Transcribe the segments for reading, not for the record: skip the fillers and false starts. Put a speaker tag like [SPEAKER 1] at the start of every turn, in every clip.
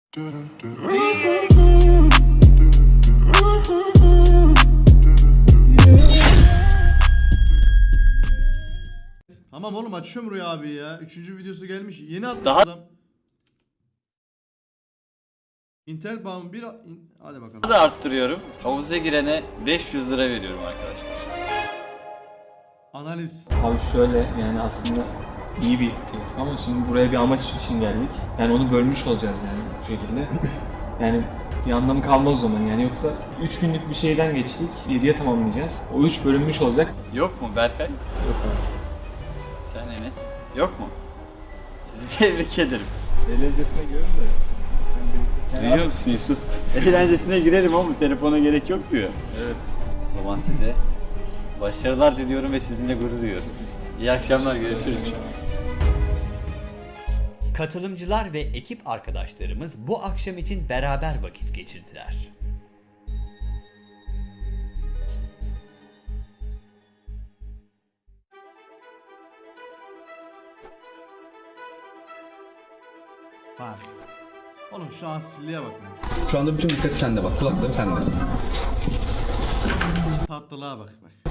[SPEAKER 1] Tamam oğlum, açıyorum Rüya abi ya. 3. videosu gelmiş. Yeni atmış
[SPEAKER 2] Daha-
[SPEAKER 1] adam. İnternet bağımı bir... Hadi bakalım.
[SPEAKER 2] Daha da arttırıyorum. Havuza girene 500 lira veriyorum arkadaşlar.
[SPEAKER 1] Analiz.
[SPEAKER 3] Abi şöyle, yani aslında iyi bir teklif ama şimdi buraya bir amaç için geldik. Yani onu bölmüş olacağız yani bu şekilde. Yani bir anlamı kalmaz o zaman yani, yoksa 3 günlük bir şeyden geçtik, 7'ye tamamlayacağız. O 3 bölünmüş olacak.
[SPEAKER 2] Yok mu Berkay?
[SPEAKER 3] Yok abi.
[SPEAKER 2] Sen Enes? Yok mu? Sizi tebrik ederim.
[SPEAKER 4] Eğlencesine görün de.
[SPEAKER 2] Duyuyor musun Yusuf? Eğlencesine girerim ama telefona gerek yok diyor.
[SPEAKER 4] Evet.
[SPEAKER 2] O zaman size başarılar diliyorum ve sizinle gurur duyuyorum. İyi akşamlar, görüşürüz.
[SPEAKER 5] Katılımcılar ve ekip arkadaşlarımız bu akşam için beraber vakit geçirdiler.
[SPEAKER 1] Bak. Oğlum şu asilliğe bak.
[SPEAKER 4] Şu anda bütün dikkat sende bak. Kulakları sende.
[SPEAKER 1] Tatlılığa bak bak.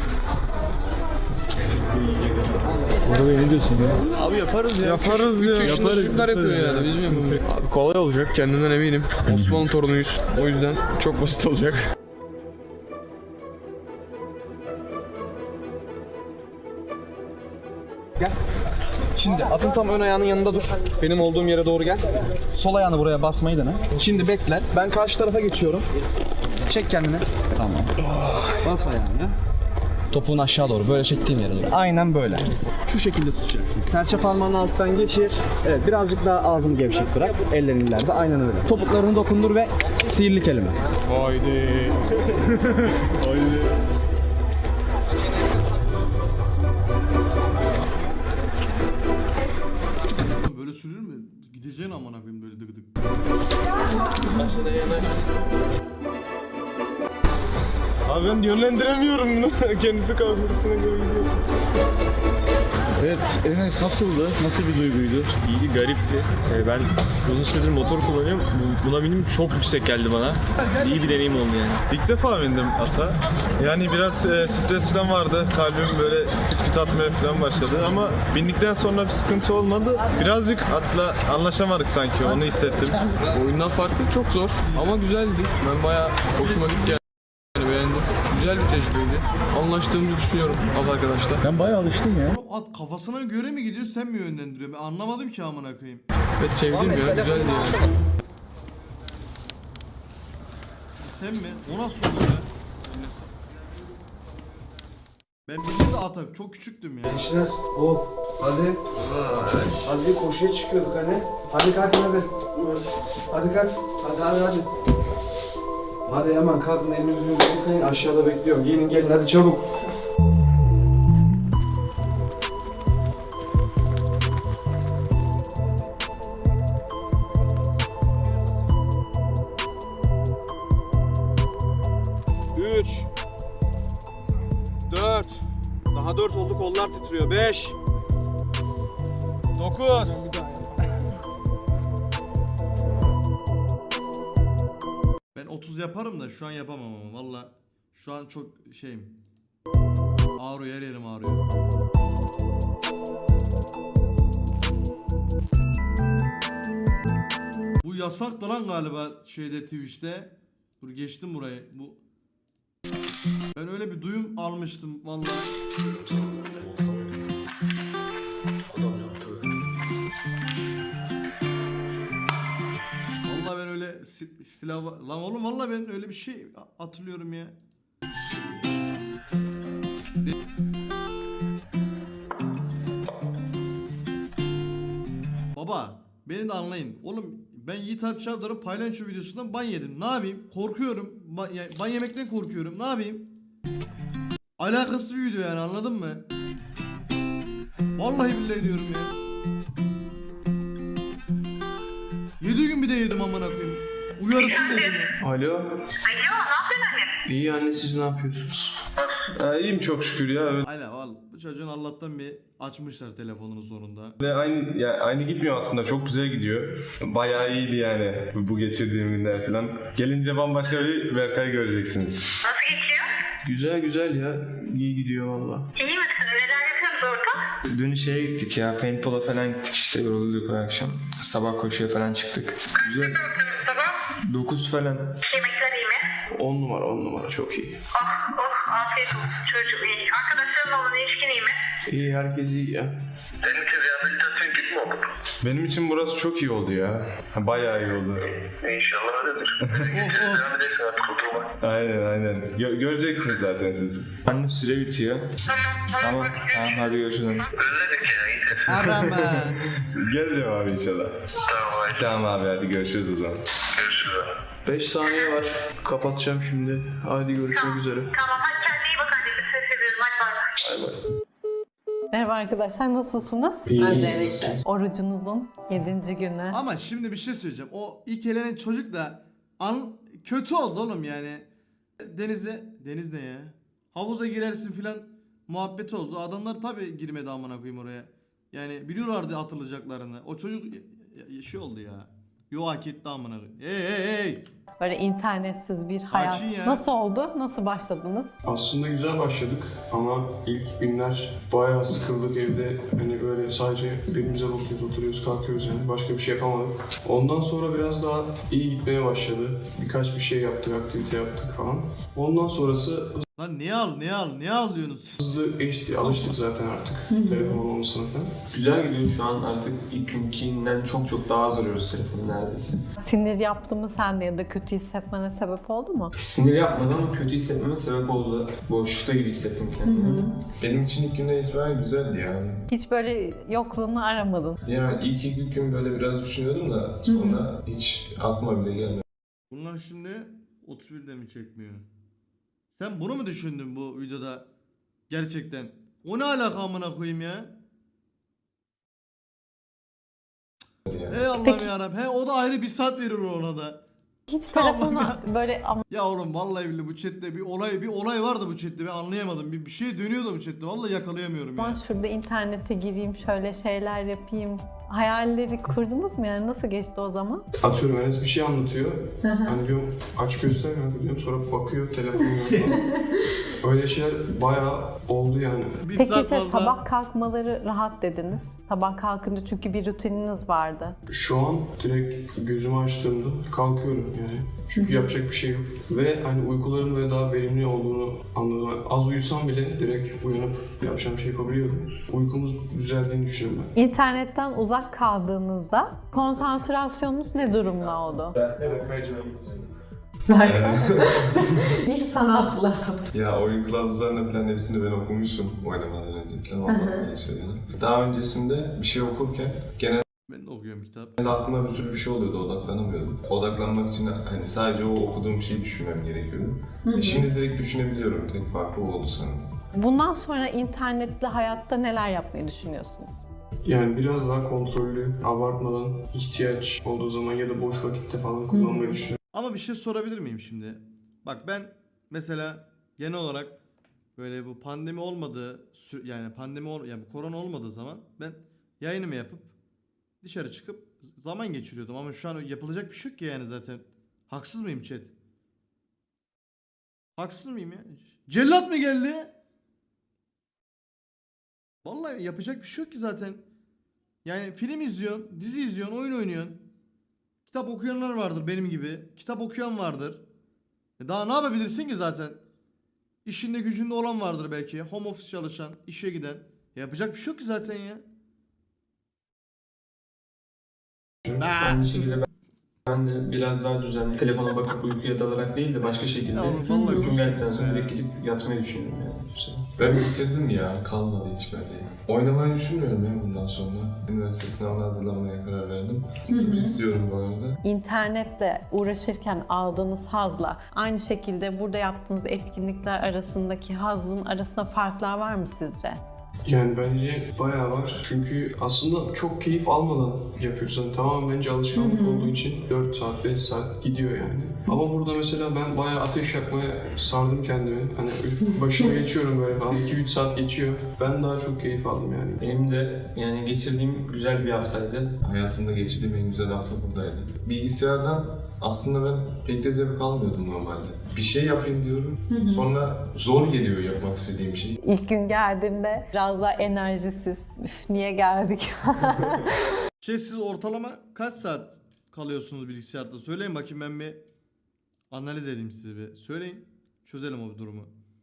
[SPEAKER 6] Abi yaparız ya. Yaparız ya. 3 yaşında çocuklar yapıyor yani. Biz mi? Abi kolay olacak, kendimden eminim. Osmanlı torunuyuz. O yüzden çok basit olacak.
[SPEAKER 7] Gel. Şimdi atın tam ön ayağının yanında dur. Benim olduğum yere doğru gel. Sol ayağını buraya basmayı dene. Şimdi bekle. Ben karşı tarafa geçiyorum. Çek kendini. Tamam. Bas ayağını. Topuğun aşağı doğru. Böyle çektiğim yere doğru. Aynen böyle. Şu şekilde tutacaksın. Serçe parmağını alttan geçir. Evet, birazcık daha ağzını gevşek bırak. Ellerin ileride. Aynen öyle. Topuklarını dokundur ve sihirli kelime.
[SPEAKER 6] Haydi.
[SPEAKER 1] Oğlum böyle sürülür mü? Gideceğin amına koyayım böyle dık dık.
[SPEAKER 4] Abi ben yönlendiremiyorum bunu. Kendisi kafasına göre gidiyor. Evet, Enes nasıldı? Nasıl bir duyguydu?
[SPEAKER 8] İyiydi, garipti. Ben uzun süredir motor kullanıyorum. Buna binim çok yüksek geldi bana. İyi bir deneyim oldu yani.
[SPEAKER 4] İlk defa bindim ata. Yani biraz stres falan vardı. Kalbim böyle küt küt atmaya falan başladı ama bindikten sonra bir sıkıntı olmadı. Birazcık atla anlaşamadık sanki, onu hissettim.
[SPEAKER 6] Oyundan farklı çok zor ama güzeldi. Ben bayağı hoşuma gitti yani, beğendim. Güzel bir tecrübeydi. Anlaştığımızı düşünüyorum az arkadaşlar.
[SPEAKER 4] Ben bayağı alıştım ya.
[SPEAKER 1] Oğlum at kafasına göre mi gidiyor, sen mi yönlendiriyor? Ben anlamadım ki amına koyayım.
[SPEAKER 6] Evet, sevdim ya, güzeldi yani.
[SPEAKER 1] Sen mi? O nasıl oldu ya? Ben bildim de atak çok küçüktüm ya.
[SPEAKER 7] Gençler, hop, hadi. Hadi koşuya çıkıyorduk hani. Hadi kalkın hadi. Hadi kalk. Hadi. Hadi hemen kalkın, elinizi yüzünüzü yıkayın. Aşağıda bekliyorum. Giyinin gelin hadi çabuk. Üç. 4. Daha 4 oldu, kollar titriyor. 5. 9.
[SPEAKER 1] Ben 30 yaparım da şu an yapamam ama valla. Şu an çok şeyim. Ağrıyor, her yerim ağrıyor. Bu yasaktı lan galiba şeyde, Twitch'te. Dur geçtim burayı. Bu ben öyle bir duyum almıştım vallahi. Vallahi ben öyle silah lan oğlum, vallahi ben öyle bir şey hatırlıyorum ya. Baba beni de anlayın. Oğlum ben Yiğit Alp Çavdar'ın paylaşım videosundan ban yedim. Ne yapayım? Korkuyorum. Ban yemekten korkuyorum. Ne yapayım? Alakasız bir video yani, anladın mı? Vallahi billahi diyorum ya. 7 gün bir de yedim amına koyayım. Uyarısız yedim ya.
[SPEAKER 6] Alo. Alo, ne yapıyorsun anne? İyi anne, siz ne yapıyorsunuz?
[SPEAKER 4] İyiyim çok şükür ya.
[SPEAKER 1] Aynen vallahi bu çocuğun Allah'tan bir açmışlar telefonunu sonunda.
[SPEAKER 4] Ve aynı gitmiyor aslında. Çok güzel gidiyor. Bayağı iyiydi yani bu geçirdiğim günler falan. Gelince bambaşka bir Berkay göreceksiniz.
[SPEAKER 9] Nasıl geçiyor?
[SPEAKER 6] Güzel ya. İyi gidiyor valla.
[SPEAKER 9] İyi misiniz? Neler yapıyorsunuz orada?
[SPEAKER 3] Dün şeye gittik ya, paintball'a falan gittik işte, yorulduk bu akşam. Sabah koşuya falan çıktık. Güzel.
[SPEAKER 9] Ne yapıyorsunuz sabah?
[SPEAKER 3] 9 falan.
[SPEAKER 9] Yemekler iyi mi?
[SPEAKER 6] 10 numara çok iyi.
[SPEAKER 9] Afiyet olsun çocuğum iyi. Arkadaşlarınla olan ilişkin iyi mi?
[SPEAKER 6] İyi, herkes iyi ya.
[SPEAKER 9] Senin için rehabilitasyon gibi mi oldu?
[SPEAKER 4] Benim için burası çok iyi oldu ya. Bayağı iyi oldu.
[SPEAKER 9] İnşallah öyledir. Devam edersin artık oturma.
[SPEAKER 4] Aynen. Göreceksiniz zaten siz.
[SPEAKER 3] Anne süre bitiyor. Tamam hadi görüşürüz.
[SPEAKER 9] Özledik ya iyidir.
[SPEAKER 1] Arama.
[SPEAKER 4] Geleceğim abi inşallah. Tamam abi hadi görüşürüz o zaman.
[SPEAKER 9] Görüşürüz abi.
[SPEAKER 6] 5 saniye var. Kapatacağım şimdi. Hadi görüşmek üzere.
[SPEAKER 9] Tamam hadi kendine iyi bak anneciğim. Ses ediyorum hadi bay bay.
[SPEAKER 10] Merhaba arkadaşlar, nasılsınız? Öncelikle orucunuzun 7. günü.
[SPEAKER 1] Ama şimdi bir şey söyleyeceğim. O ilk elenen çocuk da kötü oldu oğlum yani. Deniz ne ya? Havuza girersin filan muhabbeti oldu. Adamlar tabi girmedi amına koyayım oraya. Yani biliyorlardı atılacaklarını. O çocuk şey oldu ya. Yo hak etti amına koyayım. Hey.
[SPEAKER 10] Böyle internetsiz bir hayat.
[SPEAKER 1] Sakin ya.
[SPEAKER 10] Nasıl oldu? Nasıl başladınız?
[SPEAKER 6] Aslında güzel başladık ama ilk günler bayağı sıkıldık evde. Hani böyle sadece birbirimize bakıyoruz, oturuyoruz, kalkıyoruz yani. Başka bir şey yapamadık. Ondan sonra biraz daha iyi gitmeye başladı. Birkaç bir şey yaptık, aktivite yaptık falan. Ondan sonrası
[SPEAKER 1] Lan ne alıyorsunuz siz?
[SPEAKER 6] hızlı geçti. Alıştık zaten artık telefon olmamasına falan.
[SPEAKER 3] Güzel gidiyor şu an, artık ilk günkinden çok daha az arıyoruz telefonu neredeyse.
[SPEAKER 10] Sinir yaptı mı sende ya da kötü hissetmene sebep oldu mu?
[SPEAKER 3] Sinir yapmadan ama kötü hissetmeme sebep oldu. Boşlukta gibi hissettim kendimi.
[SPEAKER 4] Benim için ilk günden itibaren güzeldi yani.
[SPEAKER 10] Hiç böyle yokluğunu aramadın.
[SPEAKER 4] Yani ilk iki gün böyle biraz düşünüyordum da sonra hiç aklıma bile gelmedi.
[SPEAKER 1] Bunlar şimdi 31'de mi çekmiyor? Sen bunu mu düşündün bu videoda? Gerçekten. O ne alaka amına koyayım ya? Ey Allah'ım yarabbim. O da ayrı bir saat verir ona da.
[SPEAKER 10] Hiç
[SPEAKER 1] Tamam
[SPEAKER 10] telefona
[SPEAKER 1] ya.
[SPEAKER 10] böyle
[SPEAKER 1] Ya oğlum vallahi billahi bu chatte bir olay vardı bu chatte, ben anlayamadım. Bir şey dönüyordu bu chatte. Vallahi yakalayamıyorum ya.
[SPEAKER 10] aman şurada internete gireyim, şöyle şeyler yapayım. Hayalleri kurdunuz mu yani? Nasıl geçti o zaman?
[SPEAKER 6] Atıyorum Enes bir şey anlatıyor. Hani diyorum aç göster kanka diyorum, sonra bakıyor telefonuna falan. Öyle şeyler bayağı oldu yani.
[SPEAKER 1] Bir
[SPEAKER 10] Peki
[SPEAKER 1] saat fazla.
[SPEAKER 10] sabah kalkmaları rahat dediniz. Sabah kalkınca çünkü bir rutininiz vardı.
[SPEAKER 6] Şu an direkt gözümü açtığımda kalkıyorum yani. Çünkü yapacak bir şey yok. Ve hani uykuların ve daha verimli olduğunu anladım. Az uyusam bile direkt uyanıp yapacağım şey yapabiliyorum. Uykumuz düzeldiğini düşünüyorum ben.
[SPEAKER 10] İnternetten uzak kaldığınızda konsantrasyonunuz ne durumda oldu? İlk sana atladım.
[SPEAKER 4] Ya oyun kılavuzlarının falan hepsini ben okumuşum oynamadan önce falan. Vallahi söylüyorum. Daha öncesinde bir şey okurken genelde
[SPEAKER 1] Ben de okuyorum kitap.
[SPEAKER 4] aklıma bir sürü bir şey oluyordu, odaklanamıyordum. Odaklanmak için hani sadece o okuduğum şeyi düşünmem gerekiyordu. Şimdi direkt düşünebiliyorum. Tek farkı o oldu sanırım.
[SPEAKER 10] Bundan sonra internetli hayatta neler yapmayı düşünüyorsunuz?
[SPEAKER 6] Yani biraz daha kontrollü, abartmadan, ihtiyaç olduğu zaman ya da boş vakitte falan kullanmayı düşünüyorum.
[SPEAKER 1] Ama bir şey sorabilir miyim şimdi? Bak ben mesela genel olarak böyle bu pandemi olmadığı yani yani bu korona olmadığı zaman ben yayınımı yapıp dışarı çıkıp zaman geçiriyordum ama şu an yapılacak bir şey yok ki yani zaten. Haksız mıyım chat? Haksız mıyım ya? Cellat mı geldi? Vallahi yapacak bir şey yok ki zaten. Yani film izliyorsun, dizi izliyorsun, oyun oynuyorsun. Kitap okuyanlar vardır benim gibi. Kitap okuyan vardır. Daha ne yapabilirsin ki zaten? İşinde gücünde olan vardır belki. Home office çalışan, işe giden. Yapacak bir şey yok ki zaten ya.
[SPEAKER 3] Aynı şekilde ben de biraz daha düzenli, telefona bakıp uykuya dalarak değil de başka şekilde
[SPEAKER 1] Ya oğlum vallahi
[SPEAKER 3] uykum geldikten
[SPEAKER 1] küstüm
[SPEAKER 3] sonra
[SPEAKER 1] ya.
[SPEAKER 3] direkt gidip yatmayı düşünüyorum yani.
[SPEAKER 4] Ben bitirdim ya, kalmadı hiç bende. Oynamayı düşünmüyorum ya bundan sonra. Üniversite sınavına hazırlamaya karar verdim. Tıp istiyorum bu arada.
[SPEAKER 10] İnternetle uğraşırken aldığınız hazla aynı şekilde burada yaptığınız etkinlikler arasındaki hazın arasında farklar var mı sizce?
[SPEAKER 6] Yani bence bayağı var. Çünkü aslında çok keyif almadan yapıyorsun. Tamamen bence alışkanlık olduğu için 4 saat, 5 saat gidiyor yani. Ama burada mesela ben bayağı ateş yakmaya sardım kendimi. Hani başına geçiyorum böyle falan. 2-3 saat geçiyor. Ben daha çok keyif aldım yani.
[SPEAKER 8] Benim de yani geçirdiğim güzel bir haftaydı.
[SPEAKER 4] Hayatımda geçirdiğim en güzel hafta buradaydı. Bilgisayardan aslında ben pek de zevk almıyordum normalde. Bir şey yapayım diyorum, sonra zor geliyor yapmak istediğim şey.
[SPEAKER 10] İlk gün geldiğimde biraz daha enerjisiz. Üf, niye geldik?
[SPEAKER 1] Siz ortalama kaç saat kalıyorsunuz bilgisayarda? Söyleyin bakayım, ben bir analiz edeyim size bir. Söyleyin. Çözelim o durumu.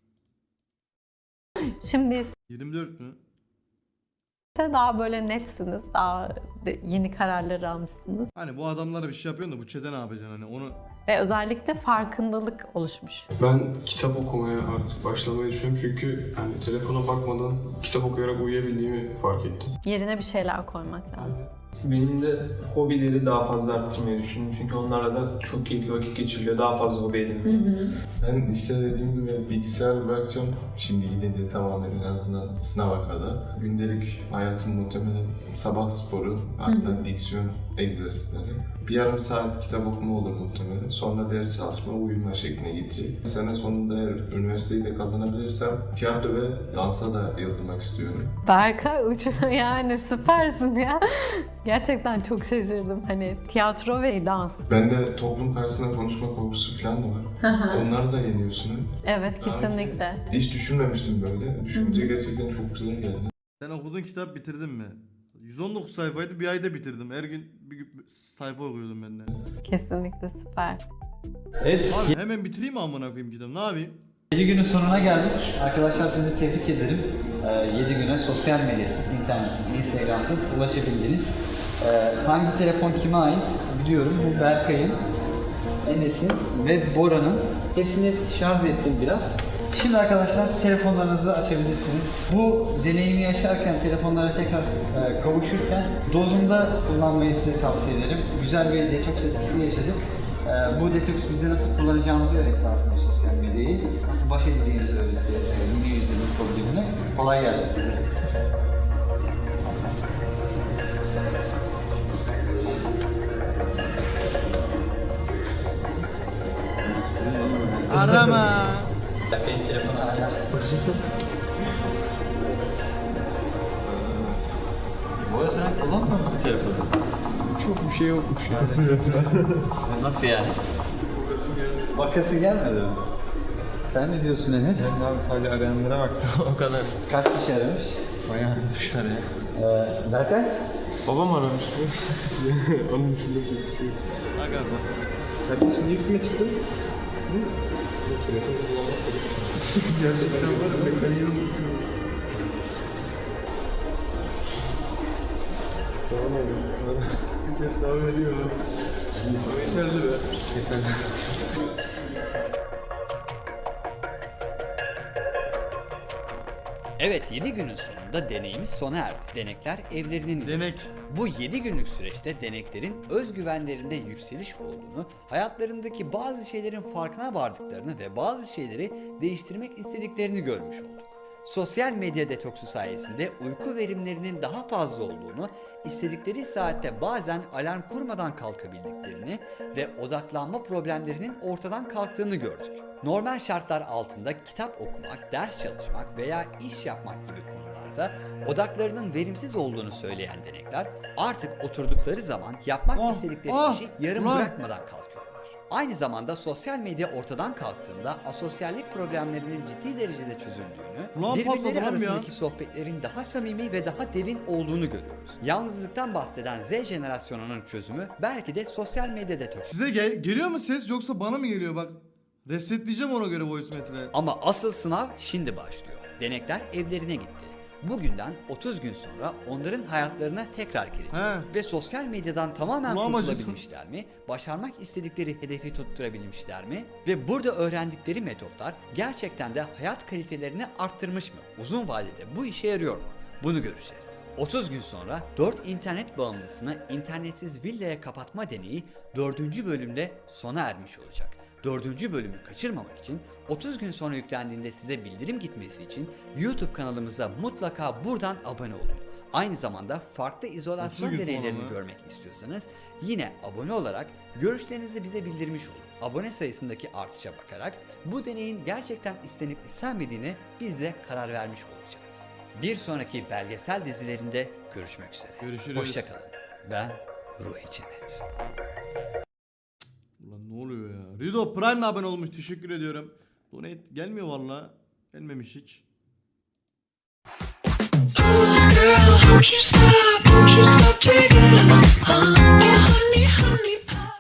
[SPEAKER 10] Şimdi
[SPEAKER 1] 24 mü?
[SPEAKER 10] daha böyle netsiniz. Daha yeni kararlar almışsınız.
[SPEAKER 1] Hani bu adamlara bir şey yapıyorsun da bu çete ne yapacaksın hani onu...
[SPEAKER 10] Ve özellikle farkındalık oluşmuş.
[SPEAKER 6] Ben kitap okumaya artık başlamayı düşünüyorum çünkü hani telefona bakmadan kitap okuyarak uyuyabildiğimi fark ettim.
[SPEAKER 10] Yerine bir şeyler koymak lazım.
[SPEAKER 3] Benim de hobileri daha fazla arttırmayı düşündüm. Çünkü onlarla da çok keyifli vakit geçiriliyor. Daha fazla hobi edinmeyi.
[SPEAKER 4] Ben işte dediğim gibi bilgisayarı bırakacağım. Şimdi gidince tamamen en azından sınava kadar. Gündelik hayatım muhtemelen sabah sporu, hatta diksiyon egzersizleri. Bir yarım saat kitap okuma olur muhtemelen. Sonra ders çalışma, uyuma şekline gidecek. Sene sonunda eğer üniversiteyi de kazanabilirsem tiyatro ve dansa da yazılmak istiyorum.
[SPEAKER 10] Berkay yani süpersin ya. Gerçekten çok şaşırdım. Hani tiyatro ve dans.
[SPEAKER 4] Bende toplum karşısında konuşma korkusu falan da var. Onları da yeniyorsun.
[SPEAKER 10] Evet, kesinlikle.
[SPEAKER 4] Hiç düşünmemiştim böyle. Düşünce gerçekten çok güzel geldi.
[SPEAKER 1] Sen okuduğun kitap bitirdin mi? 119 sayfaydı, bir ayda bitirdim. Her gün bir sayfa okuyordum ben de.
[SPEAKER 10] Kesinlikle süper.
[SPEAKER 2] Evet,
[SPEAKER 1] Abi hemen bitireyim mi amına koyayım kitabı? Ne yapayım?
[SPEAKER 2] 7 günün sonuna geldik. Arkadaşlar sizi tebrik ederim. 7 güne sosyal medyasız, internetsiz, instagramsız ulaşabildiniz. Hangi telefon kime ait biliyorum. Bu Berkay'ın, Enes'in ve Bora'nın. Hepsini şarj ettim biraz. Şimdi arkadaşlar telefonlarınızı açabilirsiniz. Bu deneyimi yaşarken, telefonlara tekrar kavuşurken dozunda kullanmayı size tavsiye ederim. Güzel bir detoks etkisi yaşadık. Bu detoks bize nasıl kullanacağımızı öğretti aslında sosyal medyayı. Nasıl baş edeceğimizi öğretti yeni yüzyılın problemine. Kolay gelsin size.
[SPEAKER 1] Arama.
[SPEAKER 2] Benim telefonu hala. Bu arada sen kullanmıyor musun telefonu?
[SPEAKER 7] Çok bir şey yokmuş ya.
[SPEAKER 2] Nasıl yani? Bakası gelmedi mi? Sen ne diyorsun Enes?
[SPEAKER 8] Ben abi sadece arayanlara baktım o kadar.
[SPEAKER 2] Kaç kişi aramış?
[SPEAKER 8] Bayağı aramışlar ya.
[SPEAKER 2] Berkay?
[SPEAKER 4] Babam aramış mı? Onun dışında bir şey yok.
[SPEAKER 1] Aga.
[SPEAKER 4] Kardeş niye üstüme çıktın? Gerçekten var ya, ben kayıyorum. Tamam abi. Bir kez daha veriyor abi. Yeterli be. Yeterli.
[SPEAKER 5] Evet, 7 günün sonunda deneyimiz sona erdi. Denekler evlerinin...
[SPEAKER 1] Denek.
[SPEAKER 5] Bu 7 günlük süreçte deneklerin özgüvenlerinde yükseliş olduğunu, hayatlarındaki bazı şeylerin farkına vardıklarını ve bazı şeyleri değiştirmek istediklerini görmüş olduk. Sosyal medya detoksu sayesinde uyku verimlerinin daha fazla olduğunu, istedikleri saatte bazen alarm kurmadan kalkabildiklerini ve odaklanma problemlerinin ortadan kalktığını gördük. Normal şartlar altında kitap okumak, ders çalışmak veya iş yapmak gibi konularda odaklarının verimsiz olduğunu söyleyen denekler artık oturdukları zaman yapmak istedikleri işi yarım bırakmadan kalkıyorlar. Aynı zamanda sosyal medya ortadan kalktığında asosyallik problemlerinin ciddi derecede çözüldüğünü, birbirleri arasındaki sohbetlerin daha samimi ve daha derin olduğunu görüyoruz. Yalnızlıktan bahseden Z jenerasyonunun çözümü belki de sosyal medya detoksu.
[SPEAKER 1] Size geliyor mu ses yoksa bana mı geliyor bak? Resetleyeceğim ona göre voice metre.
[SPEAKER 5] Ama asıl sınav şimdi başlıyor. Denekler evlerine gitti. Bugünden 30 gün sonra onların hayatlarına tekrar gireceğiz. Ve sosyal medyadan tamamen kurtulabilmişler mi? Başarmak istedikleri hedefi tutturabilmişler mi? Ve burada öğrendikleri metotlar gerçekten de hayat kalitelerini arttırmış mı? Uzun vadede bu işe yarıyor mu? Bunu göreceğiz. 30 gün sonra 4 internet bağımlısını internetsiz villaya kapatma deneyi 4. bölümde sona ermiş olacak. 4. bölümü kaçırmamak için 30 gün sonra yüklendiğinde size bildirim gitmesi için YouTube kanalımıza mutlaka buradan abone olun. Aynı zamanda farklı izolasyon
[SPEAKER 1] 30 gün sonra
[SPEAKER 5] deneylerini
[SPEAKER 1] mı?
[SPEAKER 5] görmek istiyorsanız yine abone olarak görüşlerinizi bize bildirmiş olun. Abone sayısındaki artışa bakarak bu deneyin gerçekten istenip istenmediğine biz de karar vermiş olacağız. Bir sonraki belgesel dizilerinde görüşmek üzere.
[SPEAKER 1] Görüşürüz.
[SPEAKER 5] Hoşça kalın. Ben Ruhi Cennet.
[SPEAKER 1] Ulan ne oluyor ya? Rido Prime'le abone olmuş. Teşekkür ediyorum. Donate gelmiyor valla. Gelmemiş hiç.
[SPEAKER 11] Girl, won't you stop taking it?